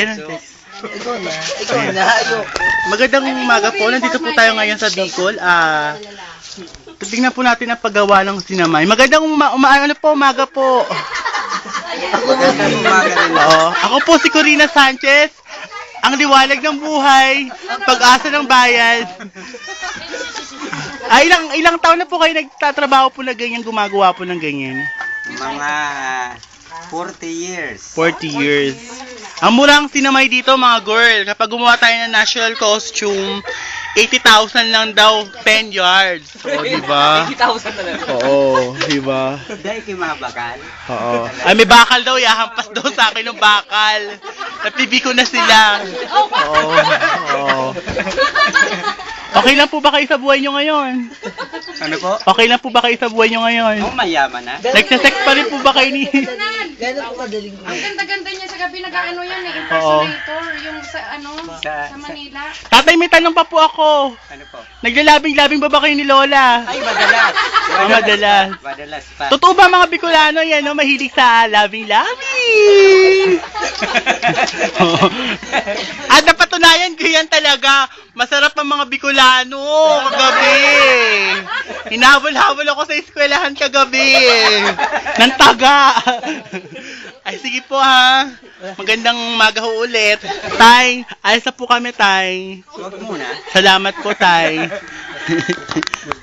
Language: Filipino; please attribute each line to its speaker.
Speaker 1: Ikaw na. Ayoko.
Speaker 2: Magandang umaga po. Nandito po tayo ngayon sa Bicol. Tingnan po natin ang paggawa ng sinamay. Magandang umaga po.
Speaker 1: Magandang umaga rin.
Speaker 2: Ako po si Corina Sanchez. Ang liwanag ng buhay, pag-asa ng bayan. Ilang taon na po kayo nagtatrabaho po na ganyan, gumagawa po ng ganyan?
Speaker 1: Mga 40 years.
Speaker 2: 40 years. Ang murang sinamay dito mga girl, kapag gumawa tayo ng national costume, 80,000 lang daw, 10 yards. Oo, diba?
Speaker 3: 80,000 na lang.
Speaker 2: Oo, diba?
Speaker 1: Dahil kayo mga bakal.
Speaker 2: Oo. Ay, may bakal daw, yahampas daw sa akin ng bakal. Napibi ko na sila. Oo. Oo. Okay lang po ba kayo sa buhay nyo ngayon?
Speaker 1: Ano po?
Speaker 2: Okay lang po ba kayo sa buhay nyo ngayon?
Speaker 1: Oh, mayaman na.
Speaker 2: Nagsasex pa rin po ba kayo ni...
Speaker 4: Gano'n po kadaling ang ganda-ganda niya sa gabi nag-ano yan eh, impersonator, yung sa sa Manila.
Speaker 2: Tatay, may tanong pa po ako.
Speaker 1: Ano po?
Speaker 2: Naglalabing-labing ba kayo ni Lola?
Speaker 1: Ay, madalas.
Speaker 2: Madalas.
Speaker 1: Madalas pa.
Speaker 2: Totoo ba mga Bicolano yan, no? Mahilig sa labing-labing? At napatunayan ko yan talaga. Masarap ang mga Bicolano kagabi. Hinabol-habol ako sa eskwelahan kagabi. Nang taga. Ay, sige po ha. Magandang umaga ho ulit. Tay, ayos na po kami, Tay.
Speaker 1: Huwag muna.
Speaker 2: Salamat po, Tay.